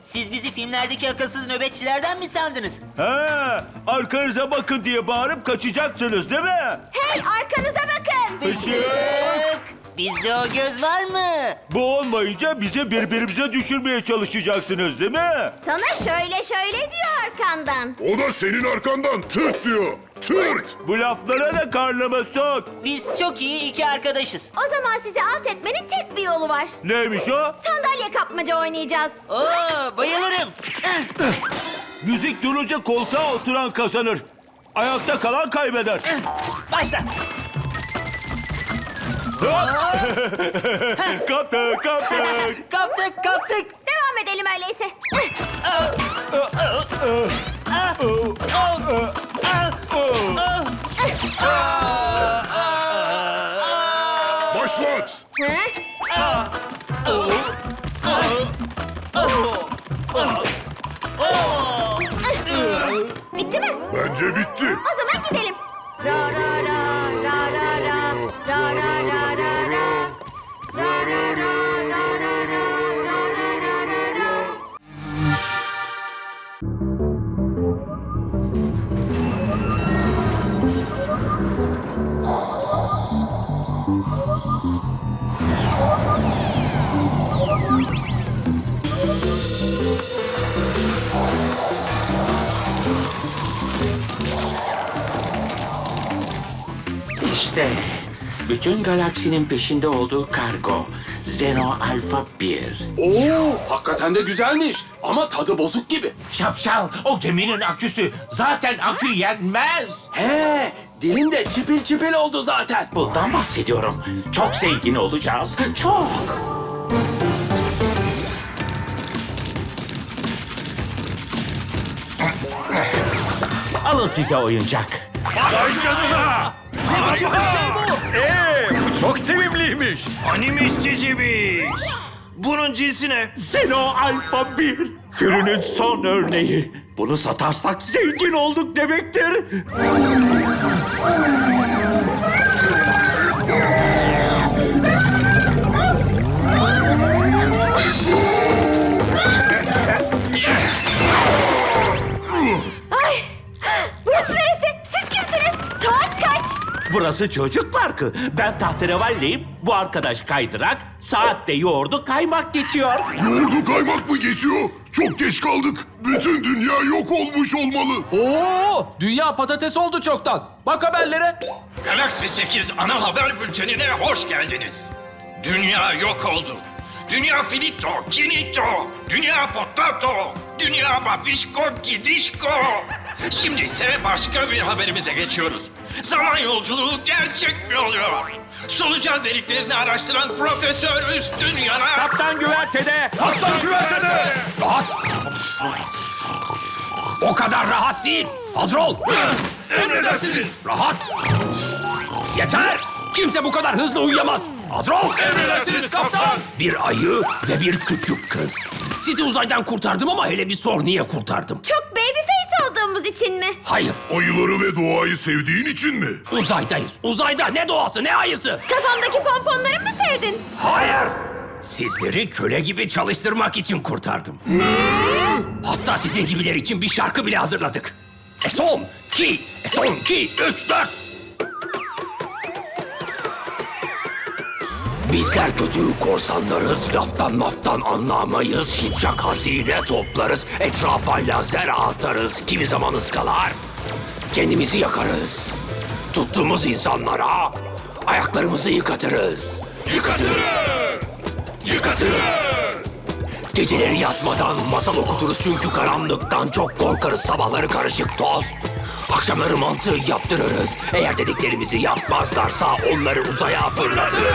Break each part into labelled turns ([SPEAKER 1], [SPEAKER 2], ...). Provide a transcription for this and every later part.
[SPEAKER 1] Siz bizi filmlerdeki akılsız nöbetçilerden mi sandınız?
[SPEAKER 2] Ha, arkanıza bakın diye bağırıp kaçacaksınız değil mi?
[SPEAKER 3] Hey, arkanıza bakın.
[SPEAKER 1] Işık! Bizde o göz var mı?
[SPEAKER 2] Bu olmayınca bizi birbirimize düşürmeye çalışacaksınız değil mi?
[SPEAKER 3] Sana şöyle diyor arkandan.
[SPEAKER 4] O da senin arkandan tırt diyor. Tırt.
[SPEAKER 2] Bu laflara da karnıma sok.
[SPEAKER 1] Biz çok iyi iki arkadaşız.
[SPEAKER 3] O zaman sizi alt etmenin tek bir yolu var.
[SPEAKER 2] Neymiş o?
[SPEAKER 3] Sandalye kapmaca oynayacağız.
[SPEAKER 1] Oo, bayılırım.
[SPEAKER 2] Müzik durunca koltuğa oturan kazanır. Ayakta kalan kaybeder.
[SPEAKER 1] Başla.
[SPEAKER 2] Kaptık, kaptık.
[SPEAKER 1] Kaptık.
[SPEAKER 3] Devam edelim öyleyse.
[SPEAKER 4] Başlat.
[SPEAKER 3] Bitti mi?
[SPEAKER 4] Bence bitti.
[SPEAKER 3] O zaman gidelim. Ra ra ra ra ra ra ra ra ra ra ra. Ra ra ra ra ra ra ra ra ra ra.
[SPEAKER 5] İşte bütün galaksinin peşinde olduğu kargo. Zeno Alpha 1.
[SPEAKER 6] Oo, hakikaten de güzelmiş ama tadı bozuk gibi.
[SPEAKER 5] Şapşal, o geminin aküsü. Zaten akü yenmez.
[SPEAKER 6] He, dilim de çipil çipil oldu zaten.
[SPEAKER 5] Bundan bahsediyorum. Çok zengin olacağız. Çok. Alın size oyuncak.
[SPEAKER 6] Vay canına! Ne biçim bir şey bu?
[SPEAKER 2] Bu çok sevimliymiş.
[SPEAKER 7] Animmiş cicibiş. Bunun cinsi ne?
[SPEAKER 5] Zeno Alpha 1. Türünün son örneği. Bunu satarsak zengin olduk demektir.
[SPEAKER 3] Burası neresi? Siz kimsiniz? Saat kaç?
[SPEAKER 5] Burası çocuk parkı. Ben tahterevalliyim. Bu arkadaş kaydırak. Saatte yoğurdu kaymak geçiyor.
[SPEAKER 4] Yoğurdu kaymak mı geçiyor? Çok geç kaldık. Bütün dünya yok olmuş olmalı.
[SPEAKER 6] Oo, dünya patates oldu çoktan. Bak haberlere.
[SPEAKER 7] Galaxy 8 ana haber bültenine hoş geldiniz. Dünya yok oldu. Dünya finito, kinito. Dünya potato. Dünya babişko, gidişko. Şimdi ise başka bir haberimize geçiyoruz. Zaman yolculuğu gerçek mi oluyor? Solucan deliklerini araştıran Profesör Üstün Yanar...
[SPEAKER 2] Kaptan güvertede.
[SPEAKER 6] Kaptan güvertede. Rahat. O kadar rahat değil. Hazır ol.
[SPEAKER 7] Emredersiniz.
[SPEAKER 6] Rahat. Yeter. Kimse bu kadar hızlı uyuyamaz. Hazır ol.
[SPEAKER 7] Emredersiniz kaptan.
[SPEAKER 6] Bir ayı ve bir küçük kız. Sizi uzaydan kurtardım ama hele bir sor niye kurtardım?
[SPEAKER 3] Çok babyface olduğumuz için mi?
[SPEAKER 6] Hayır.
[SPEAKER 4] Ayıları ve doğayı sevdiğin için mi?
[SPEAKER 6] Uzaydayız. Uzayda ne doğası ne ayısı.
[SPEAKER 3] Kafamdaki pomponları mı sevdin?
[SPEAKER 6] Hayır. Sizleri köle gibi çalıştırmak için kurtardım. Hatta sizin gibiler için bir şarkı bile hazırladık. Son, ki, 3, 4. Bizler kötü korsanlarız, laftan maftan anlamayız. Şipşak hazine toplarız, etrafa lazer atarız. Kimi zaman ıskalar, kendimizi yakarız. Tuttuğumuz insanlara ayaklarımızı yıkatırız. Yıkatırız. Geceleri yatmadan masal okuturuz çünkü karanlıktan çok korkarız. Sabahları karışık tost, akşamları mantı yaptırırız. Eğer dediklerimizi yapmazlarsa onları uzaya fırlatırız.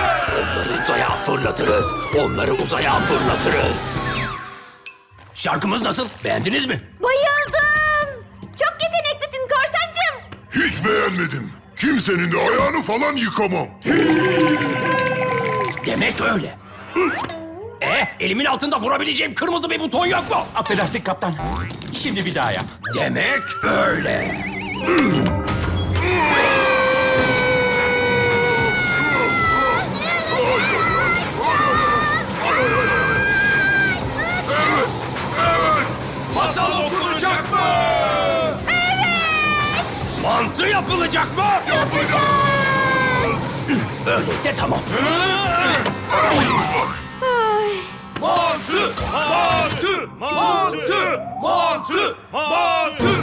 [SPEAKER 6] Onları uzaya fırlatırız. Şarkımız nasıl? Beğendiniz mi?
[SPEAKER 3] Bayıldım. Çok yeteneklisin korsancığım.
[SPEAKER 4] Hiç beğenmedim. Kimsenin de ayağını falan yıkamam.
[SPEAKER 6] Demek öyle. Elimin altında vurabileceğim kırmızı bir buton yok mu?
[SPEAKER 5] Affedersin kaptan. Şimdi bir daha yap.
[SPEAKER 6] Demek öyle.
[SPEAKER 4] Evet.
[SPEAKER 6] Yapılacak mı? Yapacağız! Öyleyse tamam. Mantı! Mantı! Mantı! Mantı! Mantı!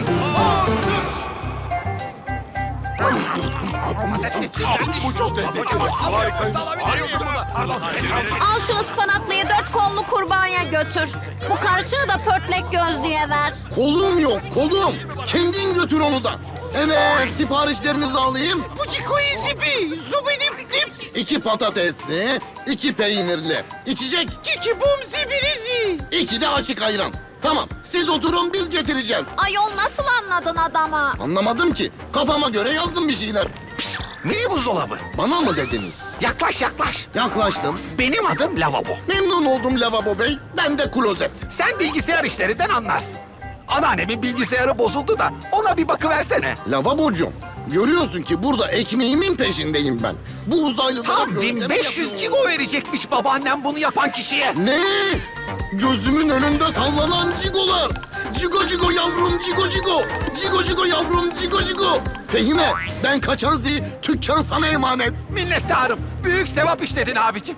[SPEAKER 3] Al şu ıspanaklıyı 4 kollu kurbağaya götür. Bu karşığı da pörtlek gözlüye ver.
[SPEAKER 8] Kolum yok, kolum. Kendin götür onu da. Evet, siparişlerinizi alayım.
[SPEAKER 6] Bucikoyu zipi! Zubidip dip!
[SPEAKER 8] 2 patatesli, 2 peynirli. İçecek,
[SPEAKER 6] Kiki bum zibirizi!
[SPEAKER 8] 2 de açık ayran. Tamam, siz oturun, biz getireceğiz.
[SPEAKER 3] Ayol nasıl anladın adamı?
[SPEAKER 8] Anlamadım ki. Kafama göre yazdım bir şeyler.
[SPEAKER 6] Mini buzdolabı.
[SPEAKER 8] Bana mı dediniz?
[SPEAKER 6] Yaklaş yaklaş.
[SPEAKER 8] Yaklaştım.
[SPEAKER 6] Benim adım Lavabo.
[SPEAKER 8] Memnun oldum Lavabo Bey. Ben de klozet.
[SPEAKER 6] Sen bilgisayar işlerinden anlarsın. Anneannemin bilgisayarı bozuldu da ona bir bakıversene.
[SPEAKER 8] Lavabocuğum, görüyorsun ki burada ekmeğimin peşindeyim ben. Bu uzaylılara
[SPEAKER 6] Tam
[SPEAKER 8] gözleme
[SPEAKER 6] 1500
[SPEAKER 8] yapıyorum.
[SPEAKER 6] cigo verecekmiş babaannem bunu yapan kişiye.
[SPEAKER 8] Ne? Gözümün önünde sallanan cigolar. Cigo cigo yavrum cigo cigo. Cigo cigo yavrum cigo cigo. Fehime, ben kaçan zi, tükkan sana emanet.
[SPEAKER 6] Minnettarım. Büyük sevap işledin abicim.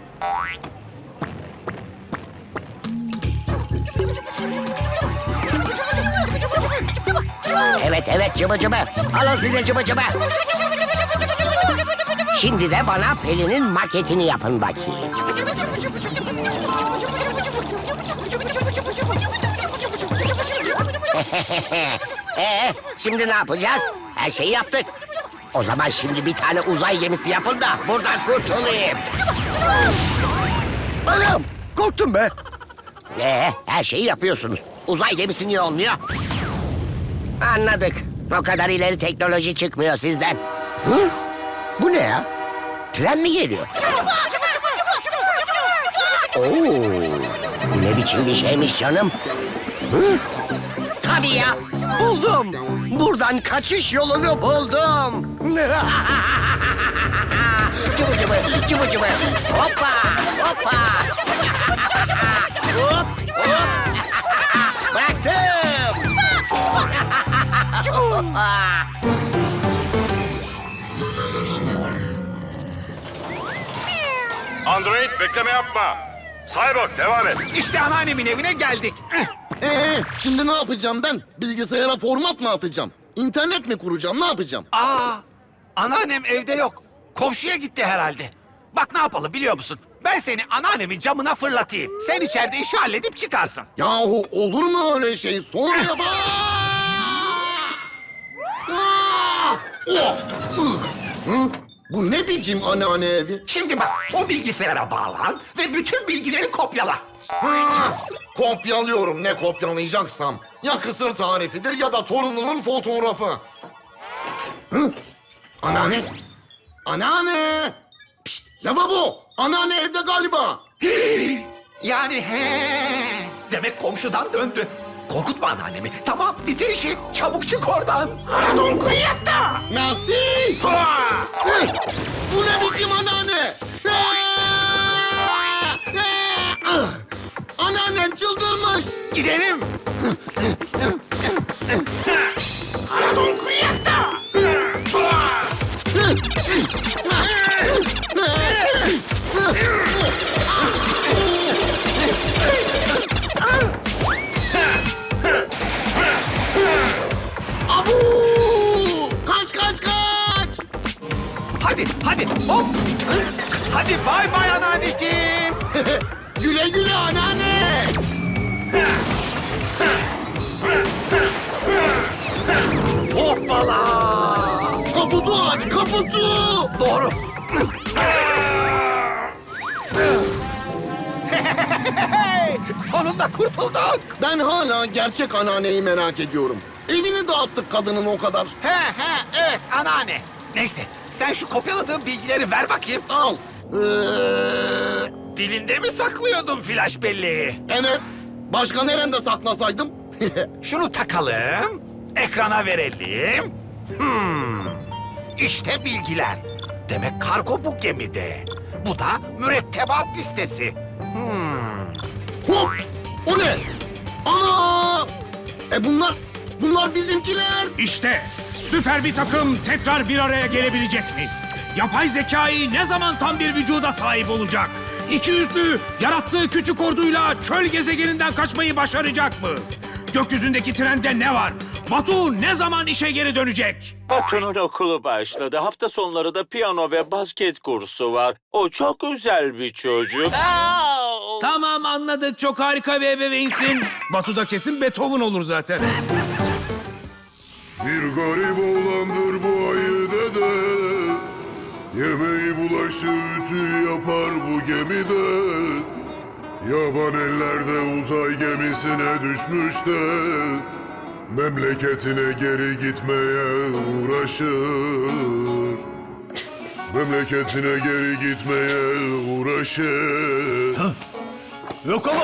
[SPEAKER 9] Evet evet cıbı cıbı. Alın size cıbı cıbı. Şimdi de bana Pelin'in maketini yapın bakayım. Şimdi ne yapacağız? Her şeyi yaptık. O zaman şimdi bir tane uzay gemisi yapın da buradan kurtulayım.
[SPEAKER 8] Anam, korktum be.
[SPEAKER 9] Her şeyi yapıyorsunuz. Uzay gemisi niye olmuyor? Anladık. O kadar ileri teknoloji çıkmıyor sizden. Hı? Bu ne ya? Tren mi geliyor? Oo, bu ne biçim bir şeymiş canım? Hı? Tabii ya. Buldum. Buradan kaçış yolunu buldum. Cıvı cıvı, cıvı cıvı. Hoppa, hoppa. Hop, hop. Bıraktım.
[SPEAKER 2] Android bekleme yapma. Cyborg devam et.
[SPEAKER 6] İşte anneannemin evine geldik.
[SPEAKER 8] Şimdi ne yapacağım ben? Bilgisayara format mı atacağım? İnternet mi kuracağım? Ne yapacağım?
[SPEAKER 6] Aa, anneannem evde yok. Komşuya gitti herhalde. Bak ne yapalım biliyor musun? Ben seni anneannemin camına fırlatayım. Sen içeride işi halledip çıkarsın.
[SPEAKER 8] Yahu olur mu öyle şey? Sonra yap. Bu ne biçim anneanne evi?
[SPEAKER 6] Şimdi bak o bilgisayara bağlan ve bütün bilgileri kopyala.
[SPEAKER 8] Kopyalıyorum ne kopyalayacaksam. Ya kısır tarifidir ya da torunumun fotoğrafı. Hı? Anneanne? Anneanne! Pişt, lavabo! Anneanne evde galiba.
[SPEAKER 6] Yani demek komşudan döndü. Korkutma anneannemi. Tamam bitir işi. Çabuk çık oradan. Aradon kuyatta.
[SPEAKER 8] Nasıl? Hı? Bu ne biçim anneanne? Anneannem çıldırmış.
[SPEAKER 6] Gidelim. Aradon kuyatta.
[SPEAKER 8] Abu! Kaç kaç kaç!
[SPEAKER 6] Hadi hadi hop. Hadi bay bay anneanneciğim.
[SPEAKER 8] Güle güle anneanne!
[SPEAKER 6] Hoppala.
[SPEAKER 8] Kaputu aç, kaputu!
[SPEAKER 6] Doğru. Sonunda kurtulduk.
[SPEAKER 8] Ben hala gerçek anneanneyi merak ediyorum. Evini dağıttık kadının o kadar.
[SPEAKER 6] Evet anneanne. Neyse sen şu kopyaladığın bilgileri ver bakayım.
[SPEAKER 8] Al.
[SPEAKER 6] Dilinde mi saklıyordun flash belleği?
[SPEAKER 8] Evet. Başka nerede saklasaydım?
[SPEAKER 6] Şunu takalım. Ekrana verelim. İşte bilgiler. Demek kargo bu gemide. Bu da mürettebat listesi.
[SPEAKER 8] Hop! O ne? Ana! Bunlar bizimkiler.
[SPEAKER 10] İşte Süper bir takım tekrar bir araya gelebilecek mi? Yapay zekayı ne zaman tam bir vücuda sahip olacak? İki yüzlü yarattığı küçük orduyla çöl gezegeninden kaçmayı başaracak mı? Gökyüzündeki trende ne var? Batu ne zaman işe geri dönecek?
[SPEAKER 5] Batu'nun okulu başladı. Hafta sonları da piyano ve basket kursu var. O çok özel bir çocuk.
[SPEAKER 10] Tamam anladık, çok harika bir ebeveynsin. Batu da kesin Beethoven olur zaten.
[SPEAKER 4] Bir garip oğlandır bu ayı dede. Yemeği bulaşı ütü yapar bu gemide. Yaban ellerde uzay gemisine düşmüş de memleketine geri gitmeye uğraşır. Memleketine geri gitmeye uğraşır.
[SPEAKER 2] Yok ama.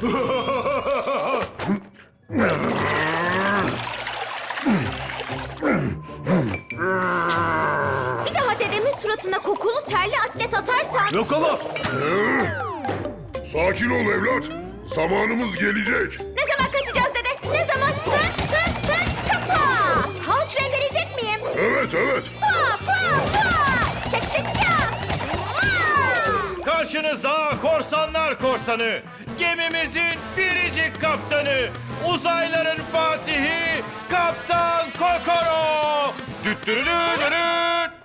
[SPEAKER 3] Bir daha dedemin suratına kokulu terli atlet atarsan...
[SPEAKER 2] Yok ama.
[SPEAKER 4] Sakin ol evlat. Zamanımız gelecek.
[SPEAKER 3] Ne zaman kaçacağız dede? Ne zaman? Kapa! Havuç rendeleyecek miyim?
[SPEAKER 4] Evet evet.
[SPEAKER 3] Pa! Çak çak çak! Vaa!
[SPEAKER 11] Karşınızda korsanlar korsanı, gemimizin biricik kaptanı, uzayların fatihi, Kaptan Kokoro. Düttürülürürün.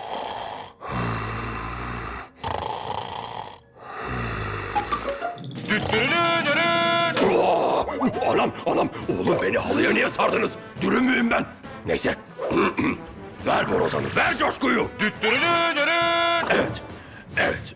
[SPEAKER 11] Düttürülürürün.
[SPEAKER 6] Anam, oğlum beni halıya niye sardınız? Dürüm müyüm ben? Neyse. Ver borazanı, ver coşkuyu.
[SPEAKER 11] Düttürülürürün.
[SPEAKER 6] Evet.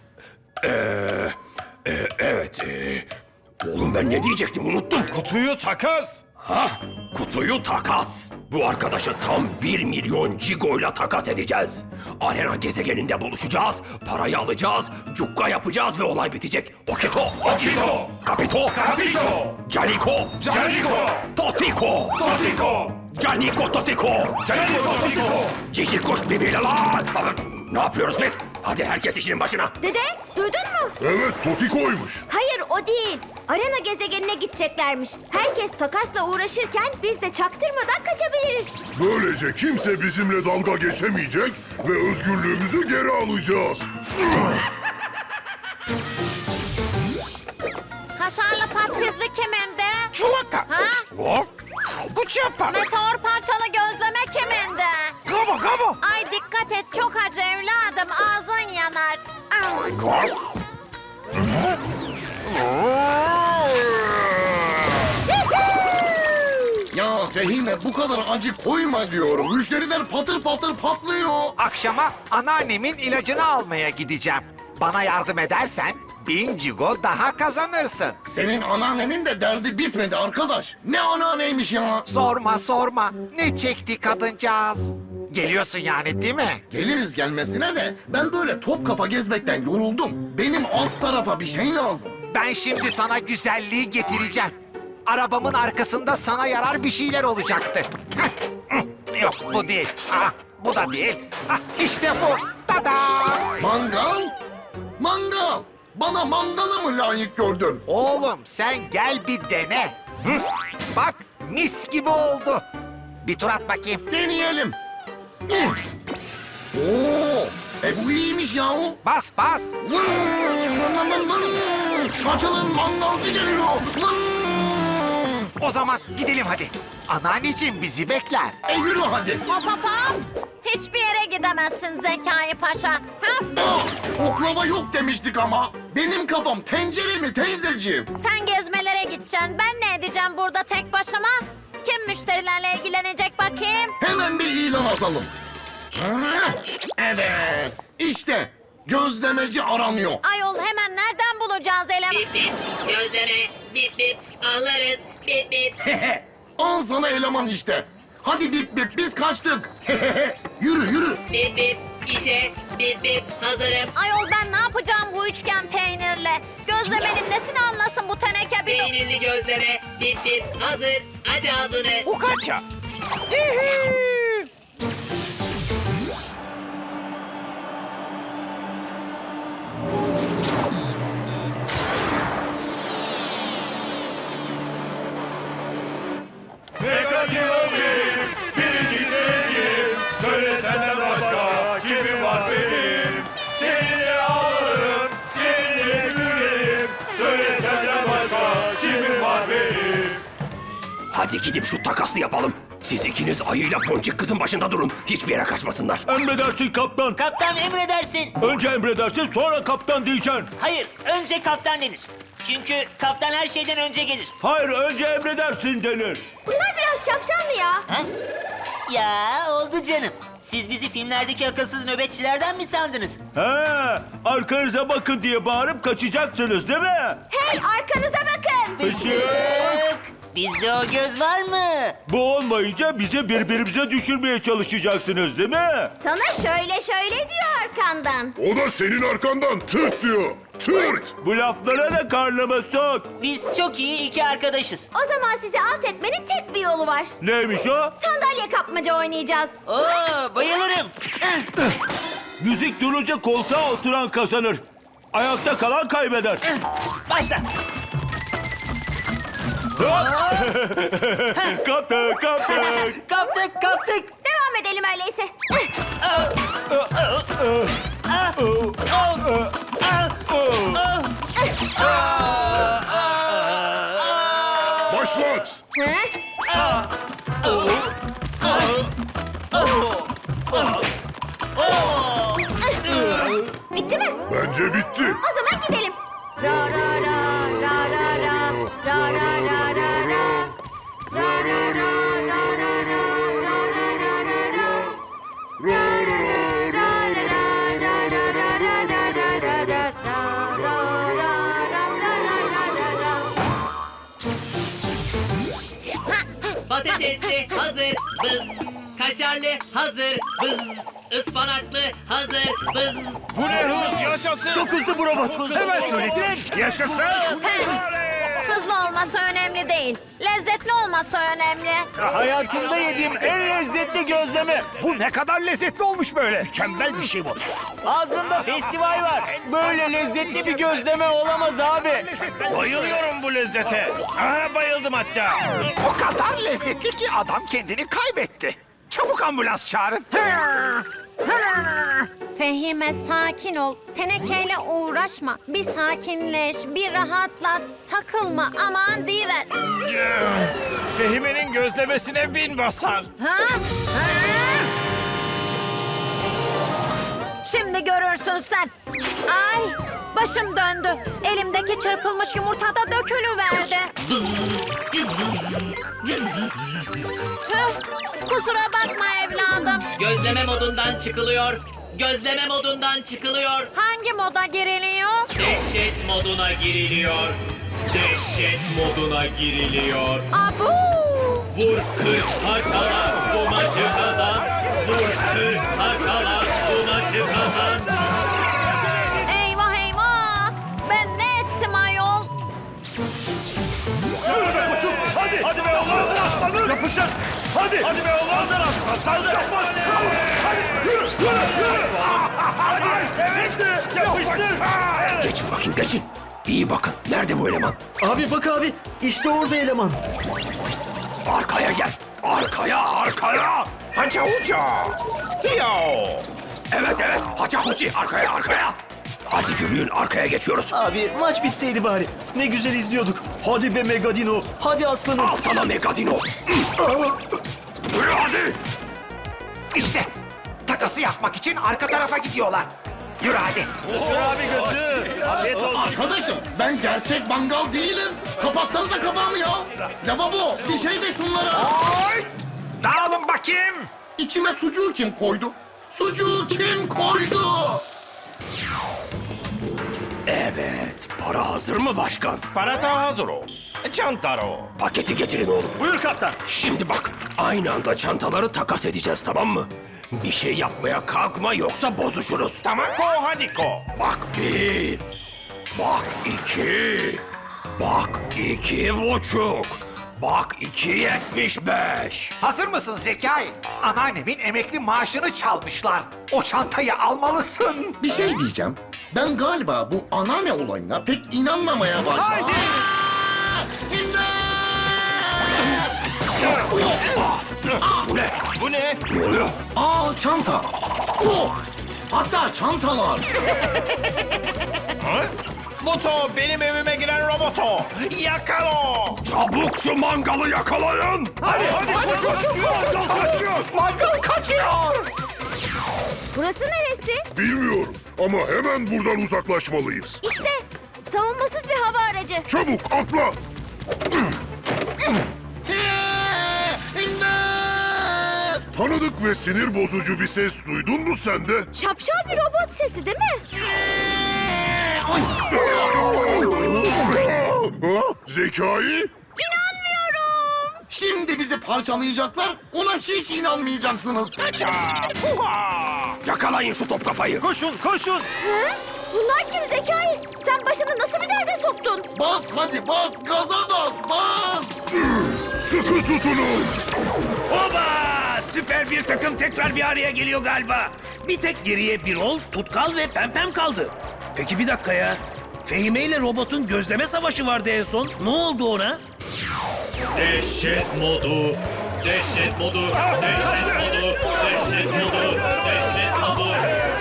[SPEAKER 6] Oğlum ben ne diyecektim unuttum.
[SPEAKER 11] Kutuyu takas.
[SPEAKER 6] Ha? Kutuyu takas. Bu arkadaşı tam 1 milyon cigoyla takas edeceğiz. Arena gezegeninde buluşacağız, parayı alacağız, cukka yapacağız ve olay bitecek. Okito, Kapito, Caniko, Totiko, Caniko, Cici kuş birbiriyle lan. Ne yapıyoruz biz? Hadi herkes işinin başına.
[SPEAKER 3] Dede, duydun mu?
[SPEAKER 4] Evet Totiko'ymuş.
[SPEAKER 3] Hayır, o değil. Arena gezegenine gideceklermiş. Herkes takasla uğraşırken biz de çaktırmadan kaçabiliriz.
[SPEAKER 4] Böylece kimse bizimle dalga geçemeyecek ve özgürlüğümüzü geri alacağız.
[SPEAKER 12] Kaşarlı patatesli kemende.
[SPEAKER 11] Çuvaka.
[SPEAKER 12] Ha?
[SPEAKER 11] Hop. Kuçapa.
[SPEAKER 12] Meteor parçalı gözleme kemende.
[SPEAKER 11] Kaba.
[SPEAKER 12] Ay dikkat et, çok acı evladım, ağzın yanar.
[SPEAKER 8] Ya Fehime bu kadar acı koyma diyorum. Müşteriler patır patır patlıyor.
[SPEAKER 13] Akşama anneannemin ilacını almaya gideceğim. Bana yardım edersen 1000 cigo daha kazanırsın.
[SPEAKER 8] Senin anneannenin de derdi bitmedi arkadaş. Ne anneanneymiş ya?
[SPEAKER 13] Sorma. Ne çekti kadıncağız? Geliyorsun yani değil mi?
[SPEAKER 8] Geliriz gelmesine de ben böyle top kafa gezmekten yoruldum. Benim alt tarafa bir şey lazım.
[SPEAKER 13] Ben şimdi sana güzelliği getireceğim. Arabamın arkasında sana yarar bir şeyler olacaktı. Yok bu değil. Bu da değil. İşte bu. Tada!
[SPEAKER 8] Mangal? Mangal! Bana mangalı mı layık gördün?
[SPEAKER 13] Oğlum sen gel bir dene. Bak mis gibi oldu. Bir tur at bakayım.
[SPEAKER 8] Deneyelim. Oo, bu iyiymiş yahu.
[SPEAKER 13] Bas.
[SPEAKER 8] Açılın, mangalcı geliyor.
[SPEAKER 13] O zaman gidelim hadi. Anneanneciğim bizi bekler.
[SPEAKER 8] Yürü hadi.
[SPEAKER 12] Hop. Hiçbir yere gidemezsin Zekai Paşa. Ha?
[SPEAKER 8] Oklava yok demiştik ama. Benim kafam tencere mi teyzeciğim?
[SPEAKER 12] Sen gezmelere gideceksin. Ben ne edeceğim burada tek başıma? Kim müşterilerle ilgilenecek bakayım?
[SPEAKER 8] Hemen bir ilan asalım. Evet. İşte gözlemeci aranıyor.
[SPEAKER 12] Ayol hemen nereden bulacağız eleman?
[SPEAKER 14] Gözleme, bip alırız, bip.
[SPEAKER 8] Al sana eleman işte. Hadi bip biz kaçtık. Yürü.
[SPEAKER 14] Bip, işe, bip, hazırım.
[SPEAKER 12] Ayol ben ne yapacağım bu üçgen peynirle? Gözlemenin nesini anlasın bu teneke bir...
[SPEAKER 14] Peynirli gözleme, bip, hazır. Aç ağzını.
[SPEAKER 11] Ukaça. Mega Kilobi, birinci sevgi.
[SPEAKER 6] Hadi gidip şu takası yapalım. Siz ikiniz ayıyla Boncuk kızın başında durun. Hiçbir yere kaçmasınlar.
[SPEAKER 2] Emredersin kaptan.
[SPEAKER 1] Kaptan emredersin.
[SPEAKER 2] Önce emredersin sonra kaptan diyeceksin.
[SPEAKER 1] Hayır, önce kaptan denir. Çünkü kaptan her şeyden önce gelir.
[SPEAKER 2] Hayır önce emredersin denir.
[SPEAKER 3] Bunlar biraz şapşal mı ya?
[SPEAKER 1] Ha? Ya oldu canım. Siz bizi filmlerdeki akılsız nöbetçilerden mi sandınız?
[SPEAKER 2] He, arkanıza bakın diye bağırıp kaçacaksınız değil mi?
[SPEAKER 3] Hey arkanıza bakın.
[SPEAKER 1] Işık! Bizde o göz var mı?
[SPEAKER 2] Bu olmayınca bizi birbirimize düşürmeye çalışacaksınız değil mi?
[SPEAKER 3] Sana şöyle diyor arkandan.
[SPEAKER 4] O da senin arkandan tırt diyor. Tırt.
[SPEAKER 2] Bu laflara da karnıma sok.
[SPEAKER 1] Biz çok iyi iki arkadaşız.
[SPEAKER 3] O zaman sizi alt etmenin tek bir yolu var.
[SPEAKER 2] Neymiş o?
[SPEAKER 3] Sandalye kapmaca oynayacağız.
[SPEAKER 1] Oo, bayılırım.
[SPEAKER 2] Müzik durunca koltuğa oturan kazanır. Ayakta kalan kaybeder.
[SPEAKER 1] Başla.
[SPEAKER 2] Kaptık.
[SPEAKER 1] Kaptık.
[SPEAKER 3] Devam edelim öyleyse.
[SPEAKER 4] Başlat.
[SPEAKER 3] Bitti mi?
[SPEAKER 4] Bence bitti.
[SPEAKER 3] O zaman gidelim. Ra ra ra ra ra ra ra ra ra ra ra. Ra ra ra ra ra ra ra ra ra ra ra. Ra ra ra ra ra ra ra ra ra ra ra ra ra. Ra ra ra ra ra ra ra.
[SPEAKER 14] Patatesli hazır bız. Kaşarlı hazır bız. Ispanaklı hazır bız.
[SPEAKER 11] Bu ne hız yaşasın.
[SPEAKER 2] Çok hızlı bu robot. Hemen söyledin.
[SPEAKER 11] Yaşasın.
[SPEAKER 12] Hızlı olması önemli değil. Lezzetli olması önemli.
[SPEAKER 11] Hayatımda yediğim en lezzetli gözleme. Bu ne kadar lezzetli olmuş böyle. Mükemmel bir şey bu. Ağzında festival var. Böyle lezzetli bir gözleme olamaz abi. Bayılıyorum bu lezzete. Aha bayıldım hatta.
[SPEAKER 13] O kadar lezzetli ki adam kendini kaybetti. Çabuk ambulans çağırın.
[SPEAKER 12] Fehime sakin ol. Tenekeyle uğraşma. Bir sakinleş, bir rahatla. Takılma aman deyiver.
[SPEAKER 11] Fehime'nin gözlemesine bin basar.
[SPEAKER 12] Şimdi görürsün sen. Ay başım döndü. Elimdeki çırpılmış yumurta da dökülüverdi. Tüh, kusura bakma evladım.
[SPEAKER 14] Gözleme modundan çıkılıyor. Gözleme modundan çıkılıyor.
[SPEAKER 12] Hangi moda giriliyor?
[SPEAKER 14] Dehşet moduna giriliyor. Dehşet moduna giriliyor.
[SPEAKER 12] Abu!
[SPEAKER 14] Vur kır parçala bu maçı kazan. Vur kır parçala bu maçı kazan.
[SPEAKER 12] Eyvah eyvah! Ben ne ettim ayol?
[SPEAKER 2] Yürü be koçum. Hadi. Hadi be oğlum. Aslanım. Yapışacak. Hadi. Hadi be oğlum. Kaldır. Yapış. Hadi. Yürü. Hadi. Şimdi yapıştır.
[SPEAKER 6] Geçin bakayım geçin. İyi bakın. Nerede bu eleman?
[SPEAKER 11] Abi bak abi. İşte orada eleman.
[SPEAKER 6] Arkaya gel. Arkaya.
[SPEAKER 11] Haca uca. Yo.
[SPEAKER 6] Evet. Haca huci. Arkaya. Hadi yürüyün. Arkaya geçiyoruz.
[SPEAKER 11] Abi maç bitseydi bari. Ne güzel izliyorduk. Hadi be Megadino. Hadi aslanım.
[SPEAKER 6] Al sana Megadino. Yürü hadi.
[SPEAKER 13] İşte takası yapmak için arka tarafa gidiyorlar. Yürü hadi.
[SPEAKER 2] Abi götür. Afiyet olsun.
[SPEAKER 8] Arkadaşım ben gerçek mangal değilim. Kapatsanıza kapağımı ya. Lavabo bir şey de şunlara.
[SPEAKER 13] Dağılın bakayım.
[SPEAKER 8] İçime sucuğu kim koydu? Sucuğu kim koydu?
[SPEAKER 6] Evet. Para hazır mı başkan?
[SPEAKER 11] Parata hazır o. Çantaro.
[SPEAKER 6] Paketi getirin oğlum.
[SPEAKER 11] Buyur kaptan.
[SPEAKER 6] Şimdi bak. Aynı anda çantaları takas edeceğiz tamam mı? Bir şey yapmaya kalkma yoksa bozuşuruz.
[SPEAKER 11] Tamam ko hadi ko.
[SPEAKER 6] Bak bir. Bak iki. Bak 2,5. Bak 2,75.
[SPEAKER 13] Hazır mısın Zekai? Anneannemin emekli maaşını çalmışlar. O çantayı almalısın.
[SPEAKER 8] Bir şey diyeceğim. Ben galiba bu anneanne olayına pek inanmamaya başladım.
[SPEAKER 13] Haydi.
[SPEAKER 6] Bu ne?
[SPEAKER 11] Bu ne?
[SPEAKER 6] Ne oluyor?
[SPEAKER 8] Aa çanta. Hatta çantalar.
[SPEAKER 11] Muto benim evime giren robotu. Yakalo.
[SPEAKER 2] Çabuk şu mangalı yakalayın.
[SPEAKER 11] Hadi koşun. Mangal kaçıyor.
[SPEAKER 3] Burası neresi?
[SPEAKER 4] Bilmiyorum ama hemen buradan uzaklaşmalıyız.
[SPEAKER 3] İşte savunmasız bir hava aracı.
[SPEAKER 4] Çabuk atla. Tanıdık ve sinir bozucu bir ses duydun mu sen de?
[SPEAKER 3] Şapşal bir robot sesi değil mi?
[SPEAKER 4] Zekai?
[SPEAKER 3] İnanmıyorum.
[SPEAKER 8] Şimdi bizi parçalayacaklar, ona hiç inanmayacaksınız.
[SPEAKER 2] Yakalayın şu top kafayı.
[SPEAKER 11] Koşun.
[SPEAKER 3] Ha? Bunlar kim Zekai? Sen başını nasıl bir derde soktun?
[SPEAKER 8] Bas hadi bas, gaza bas.
[SPEAKER 4] Sıkı tutunun.
[SPEAKER 10] Oba! Süper bir takım tekrar bir araya geliyor galiba. Bir tek geriye Birol, Tutkal ve Pempem kaldı. Peki bir dakika ya. Fehime ile robotun gözleme savaşı vardı en son. Ne oldu ona?
[SPEAKER 14] Dehşet modu. Dehşet modu. Dehşet modu. Dehşet modu. Dehşet modu.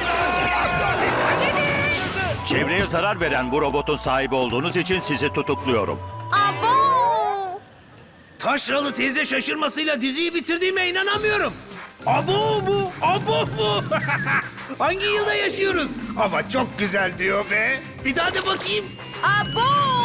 [SPEAKER 2] Çevreye zarar veren bu robotun sahibi olduğunuz için sizi tutukluyorum.
[SPEAKER 3] Abo!
[SPEAKER 10] Taşralı teyze şaşırmasıyla diziyi bitirdiğime inanamıyorum. Abo bu, abo bu. Hangi yılda yaşıyoruz? Ama çok güzel diyor be. Bir daha da bakayım.
[SPEAKER 3] Abo!